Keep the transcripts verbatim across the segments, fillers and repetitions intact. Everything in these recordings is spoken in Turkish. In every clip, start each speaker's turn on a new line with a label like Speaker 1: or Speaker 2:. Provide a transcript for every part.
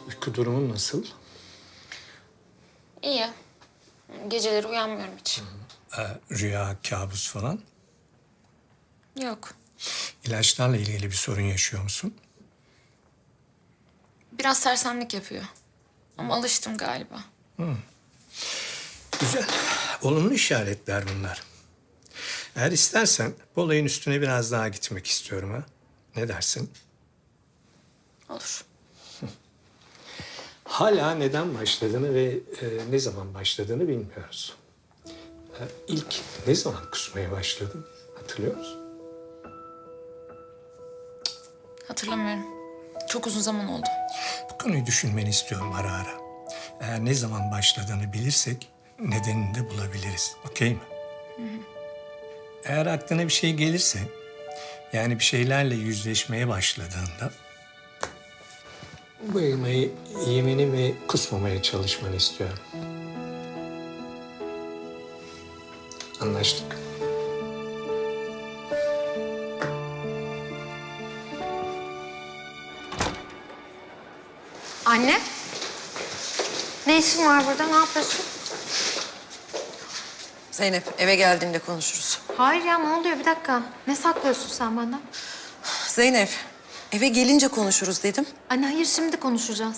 Speaker 1: Uyku durumun nasıl?
Speaker 2: İyi. Geceleri uyanmıyorum hiç.
Speaker 1: Ee, rüya, kabus falan.
Speaker 2: Yok.
Speaker 1: İlaçlarla ilgili bir sorun yaşıyor musun?
Speaker 2: Biraz sersemlik yapıyor. Ama alıştım galiba.
Speaker 1: Güzel. Olumlu işaretler bunlar. Eğer istersen bu olayın üstüne biraz daha gitmek istiyorum ha. Ne dersin?
Speaker 2: Olur.
Speaker 1: Hala neden başladığını ve e, ne zaman başladığını bilmiyoruz. E, ilk ne zaman kusmaya başladın? Hatırlıyor musun?
Speaker 2: Hatırlamıyorum. Çok uzun zaman oldu.
Speaker 1: Bu konuyu düşünmeni istiyorum ara ara. Eğer ne zaman başladığını bilirsek nedenini de bulabiliriz. Okey mi? Eğer aklına bir şey gelirse, yani bir şeylerle yüzleşmeye başladığında bu elmayı yemeni ve kusmamaya çalışmanı istiyorum. Anlaştık.
Speaker 3: Anne. Ne işin var burada? Ne yapıyorsun?
Speaker 4: Zeynep, eve geldiğinde konuşuruz.
Speaker 3: Hayır ya, ne oluyor? Bir dakika. Ne saklıyorsun sen benden?
Speaker 4: Zeynep, eve gelince konuşuruz dedim.
Speaker 3: Anne hayır, şimdi konuşacağız.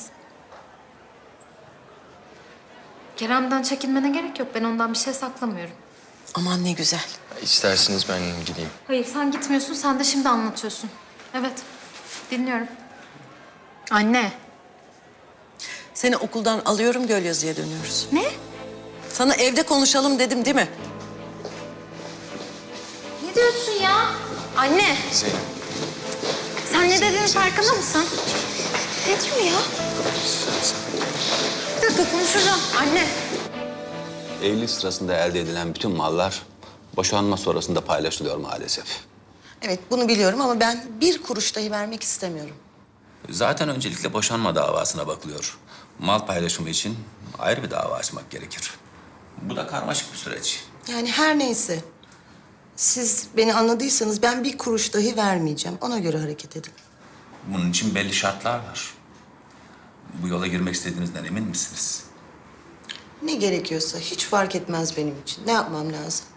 Speaker 3: Kerem'den çekinmene gerek yok. Ben ondan bir şey saklamıyorum.
Speaker 4: Aman ne güzel.
Speaker 5: İsterseniz ben gideyim.
Speaker 3: Hayır, sen gitmiyorsun. Sen de şimdi anlatıyorsun. Evet. Dinliyorum. Anne.
Speaker 4: Seni okuldan alıyorum, Gölyazı'ya dönüyoruz.
Speaker 3: Ne?
Speaker 4: Sana evde konuşalım dedim değil mi?
Speaker 3: Ne diyorsun ya? Anne.
Speaker 5: Zeynep.
Speaker 3: Sen ne dediğinin farkında mısın? Ne diyor ya? Bir dakika konuşacağım. Anne.
Speaker 6: Evlilik sırasında elde edilen bütün mallar boşanma sonrasında paylaşılıyor maalesef.
Speaker 4: Evet, bunu biliyorum ama ben bir kuruş dahi vermek istemiyorum.
Speaker 6: Zaten öncelikle boşanma davasına bakılıyor. Mal paylaşımı için ayrı bir dava açmak gerekir. Bu da karmaşık bir süreç.
Speaker 7: Yani her neyse. Siz beni anladıysanız ben bir kuruş dahi vermeyeceğim. Ona göre hareket edin.
Speaker 6: Bunun için belli şartlar var. Bu yola girmek istediğinizden emin misiniz?
Speaker 7: Ne gerekiyorsa hiç fark etmez benim için. Ne yapmam lazım?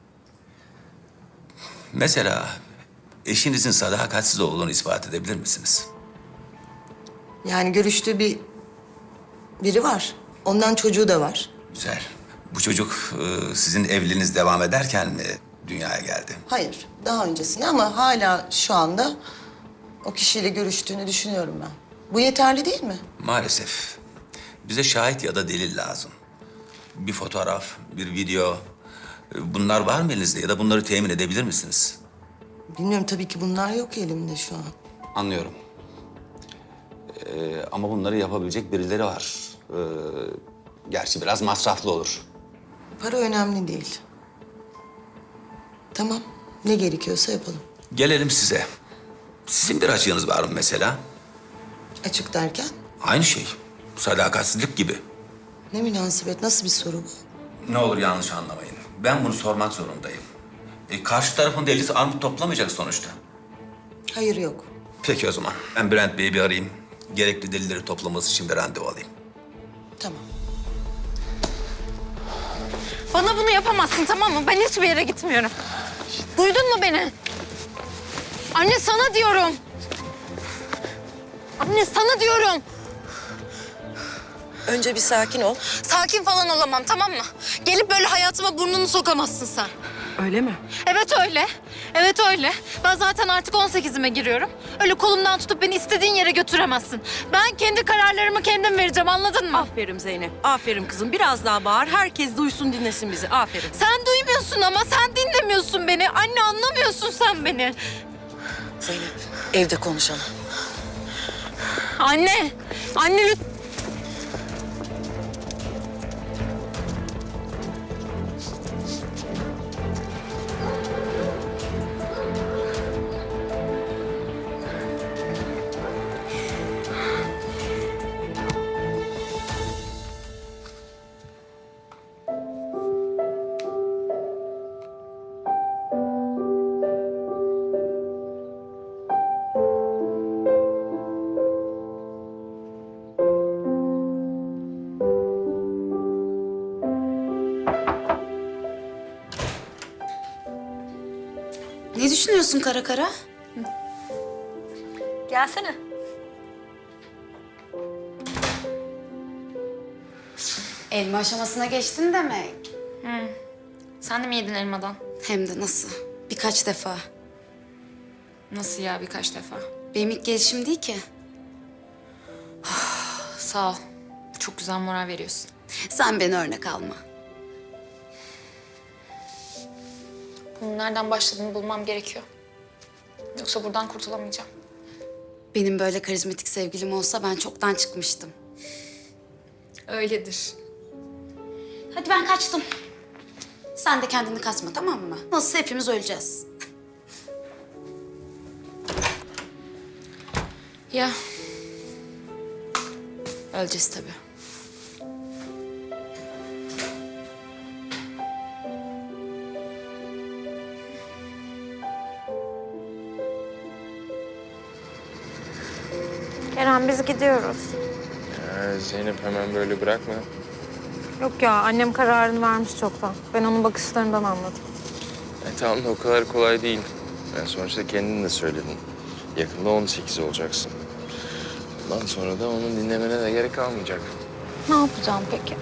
Speaker 6: Mesela eşinizin sadakatsiz olduğunu ispat edebilir misiniz?
Speaker 7: Yani görüştüğü bir biri var. Ondan çocuğu da var.
Speaker 6: Güzel. Bu çocuk e, sizin evliliğiniz devam ederken mi dünyaya geldi?
Speaker 7: Hayır, daha öncesinde ama hala şu anda o kişiyle görüştüğünü düşünüyorum ben. Bu yeterli değil mi?
Speaker 6: Maalesef. Bize şahit ya da delil lazım. Bir fotoğraf, bir video. Bunlar var mı elinizde ya da bunları temin edebilir misiniz?
Speaker 7: Bilmiyorum, tabii ki bunlar yok elimde şu an.
Speaker 6: Anlıyorum. Ee, ama bunları yapabilecek birileri var. Ee, gerçi biraz masraflı olur.
Speaker 7: Para önemli değil. Tamam, ne gerekiyorsa yapalım.
Speaker 6: Gelelim size. Sizin bir açığınız var mı mesela?
Speaker 7: Açık derken?
Speaker 6: Aynı şey. Sadakatsizlik gibi.
Speaker 7: Ne münasebet, nasıl bir soru bu?
Speaker 6: Ne olur yanlış anlamayın. Ben bunu sormak zorundayım. E, karşı tarafın delisi armut toplamayacak sonuçta.
Speaker 7: Hayır, yok.
Speaker 6: Peki o zaman. Ben Bülent Bey'i bir arayayım. Gerekli delilleri toplaması için bir randevu alayım.
Speaker 7: Tamam.
Speaker 3: Bana bunu yapamazsın, tamam mı? Ben hiçbir yere gitmiyorum. Duydun mu beni? Anne sana diyorum. Anne sana diyorum.
Speaker 4: Önce bir sakin ol.
Speaker 3: Sakin falan olamam, tamam mı? Gelip böyle hayatıma burnunu sokamazsın sen.
Speaker 4: Öyle mi?
Speaker 3: Evet öyle. Evet öyle. Ben zaten artık on sekizime giriyorum. Öyle kolumdan tutup beni istediğin yere götüremezsin. Ben kendi kararlarımı kendim vereceğim, anladın mı?
Speaker 8: Aferin Zeynep, aferin kızım. Biraz daha bağır, herkes duysun, dinlesin bizi. Aferin.
Speaker 3: Sen duymuyorsun ama sen dinlemiyorsun beni. Anne anlamıyorsun sen beni.
Speaker 4: Zeynep, evde konuşalım.
Speaker 3: Anne, anne lütfen.
Speaker 9: Ne düşünüyorsun kara kara?
Speaker 2: Gelsene.
Speaker 9: Elma aşamasına geçtin demek.
Speaker 2: Sen de mi yedin elmadan?
Speaker 9: Hem de nasıl? Birkaç defa.
Speaker 2: Nasıl ya, birkaç defa?
Speaker 9: Benim ilk gelişim değil ki.
Speaker 2: Sağ ol. Çok güzel moral veriyorsun.
Speaker 9: Sen beni örnek alma.
Speaker 2: Bunun nereden başladığını bulmam gerekiyor. Yoksa buradan kurtulamayacağım.
Speaker 9: Benim böyle karizmatik sevgilim olsa ben çoktan çıkmıştım.
Speaker 2: Öyledir.
Speaker 9: Hadi ben kaçtım. Sen de kendini kasma, tamam mı? Nasılsa hepimiz öleceğiz.
Speaker 2: Ya. Öleceğiz tabii.
Speaker 3: Kerem biz gidiyoruz.
Speaker 5: Ya Zeynep hemen böyle bırakma.
Speaker 3: Yok ya annem kararını vermiş çoktan. Ben onun bakışlarından anladım.
Speaker 5: E, tamam da o kadar kolay değil. Yani sonuçta kendin de söyledin. Yakında on sekiz olacaksın. Ondan sonra da onun dinlemene de gerek kalmayacak.
Speaker 3: Ne yapacağım peki?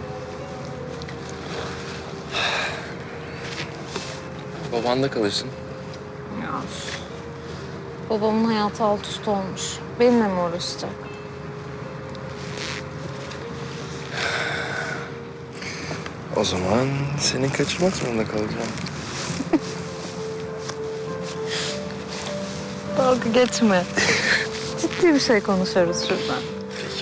Speaker 5: Babanda kalırsın.
Speaker 3: Ya babamın hayatı alt üst olmuş. Benimle mi uğraşacak?
Speaker 5: O zaman seni kaçırmak zorunda kalacağım.
Speaker 3: Dalga geçme. Ciddi bir şey konuşuyoruz şuradan.
Speaker 5: Peki.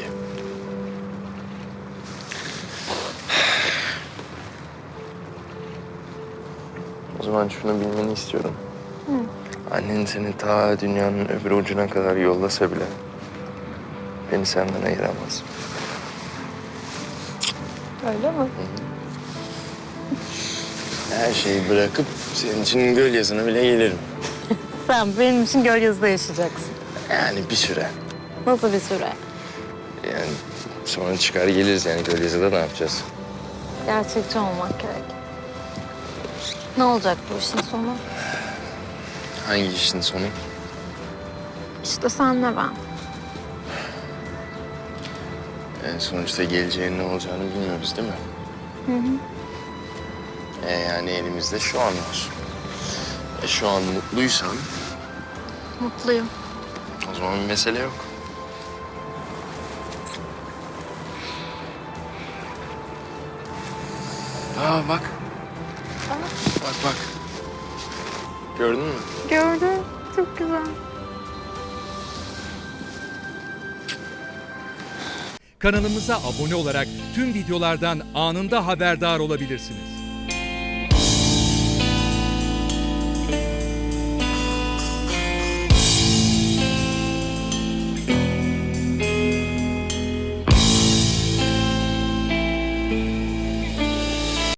Speaker 5: O zaman şunu bilmeni istiyorum. Annen seni ta dünyanın öbür ucuna kadar yollasa bile beni senden ayıramaz.
Speaker 3: Öyle mi?
Speaker 5: Her şeyi bırakıp senin için göl yazına bile gelirim.
Speaker 3: Sen benim için Gölyazı'da yaşayacaksın.
Speaker 5: Yani bir süre.
Speaker 3: Nasıl bir süre?
Speaker 5: Yani sonra çıkar geliriz yani göl yazıda ne yapacağız?
Speaker 3: Gerçekçi olmak gerek. Ne olacak bu işin sonu?
Speaker 5: Hangi işin sonu?
Speaker 3: İşte senle ben.
Speaker 5: Yani sonuçta geleceğin ne olacağını bilmiyoruz değil mi? Hı hı. E yani elimizde şu an var. E şu an mutluysan
Speaker 3: Mutluyum.
Speaker 5: o zaman bir mesele yok. Aa bak. Bak bak. Gördün mü?
Speaker 3: Gördüm. Çok güzel.
Speaker 10: Kanalımıza abone olarak tüm videolardan anında haberdar olabilirsiniz.